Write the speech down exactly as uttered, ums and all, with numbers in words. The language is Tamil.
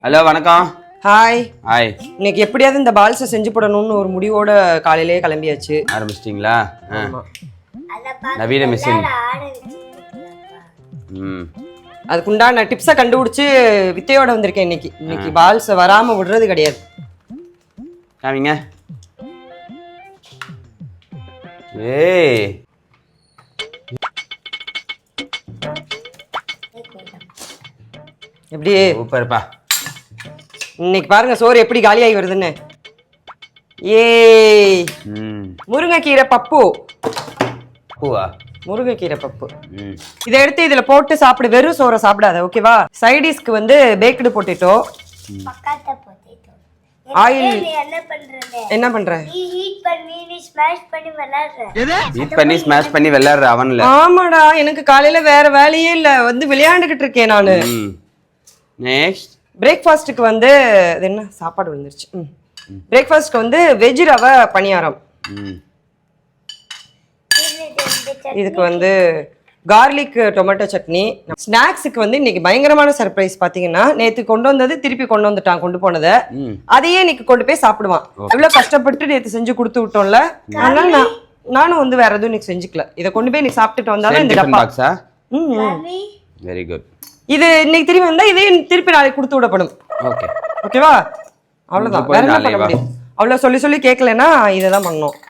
ஹலோ வணக்கம். Hi hi. இன்னைக்கு எப்படியாவது இந்த பால்ஸை செஞ்சு போடணும்னு ஒரு முடிவோட காலையிலேயே கிளம்பியாச்சு. ஆரம்பிச்சிட்டிங்களா? நவீன மிஷின். ம் அதுக்குண்டான டிப்ஸை கண்டுபிடிச்சு வித்தையோட வந்திருக்கேன் இன்னைக்கு. இன்னைக்கு பால்ஸை வராம விடுறது கிடையாது. காமிங்க. ஏய் எப்படி சூப்பர்ப்பா. இன்னைக்கு பாருங்க சோறு எப்படி காலியாகி வருதுன்னு. ஏய் ம் முருங்கைக்கீரை பப்பு. பூவா? முருங்கைக்கீரை பப்பு. ம் இதை எடுத்து இதுல போட்டு சாப்பிடு. வெறும் சோறை சாப்பிடாத, ஓகேவா? சைடிஷ்க்கு வந்து பேக்டு பொட்டேட்டோ. ஆயில் என்ன பண்ற? ஹீட் பண்ணி ஸ்மாஷ் பண்ணி விளையாடுற அவன்ல. ஆமாடா, எனக்கு காலையில வேற வேலையே இல்ல, வந்து விளையாண்டுகிட்டு இருக்கேன் நானு. நெக்ஸ்ட் பிரேக்ஃபாஸ்ட்டுக்கு வந்து இது என்ன சாப்பாடு வந்துருச்சு. ம் பிரேக்ஃபாஸ்ட்க்கு வந்து வெஜ் ரவை பணியாரம். ம் இதுக்கு வந்து கார்லிக் டொமேட்டோ சட்னி. ஸ்நாக்ஸுக்கு வந்து இன்னைக்கு பயங்கரமான சர்ப்ரைஸ். பாத்தீங்கன்னா நேத்து கொண்டு வந்தது திருப்பி கொண்டு வந்துட்டான், கொண்டு போனதை. அதையே இன்னைக்கு கொண்டு போய் சாப்பிடுவான். எவ்வளவு கஷ்டப்பட்டு நேத்து செஞ்சு கொடுத்து விட்டோம்ல, அதனால நான் நானும் வந்து வேற எதுவும் இன்னைக்கு செஞ்சுக்கல. இதை கொண்டு போய் இன்னைக்கு சாப்பிட்டுட்டு வந்தாலும் இந்த டப்பா. ம் வெரி குட். இது இன்னைக்கு திரும்பி வந்தா இதையும் திருப்பி நாளைக்கு கொடுத்து விடப்படும். ஓகே ஓகேவா? அவ்வளவுதான், வேற என்ன பண்ண முடியும்? அவ்வளவு சொல்லி சொல்லி கேட்கலன்னா இதை தான் பண்ணணும்.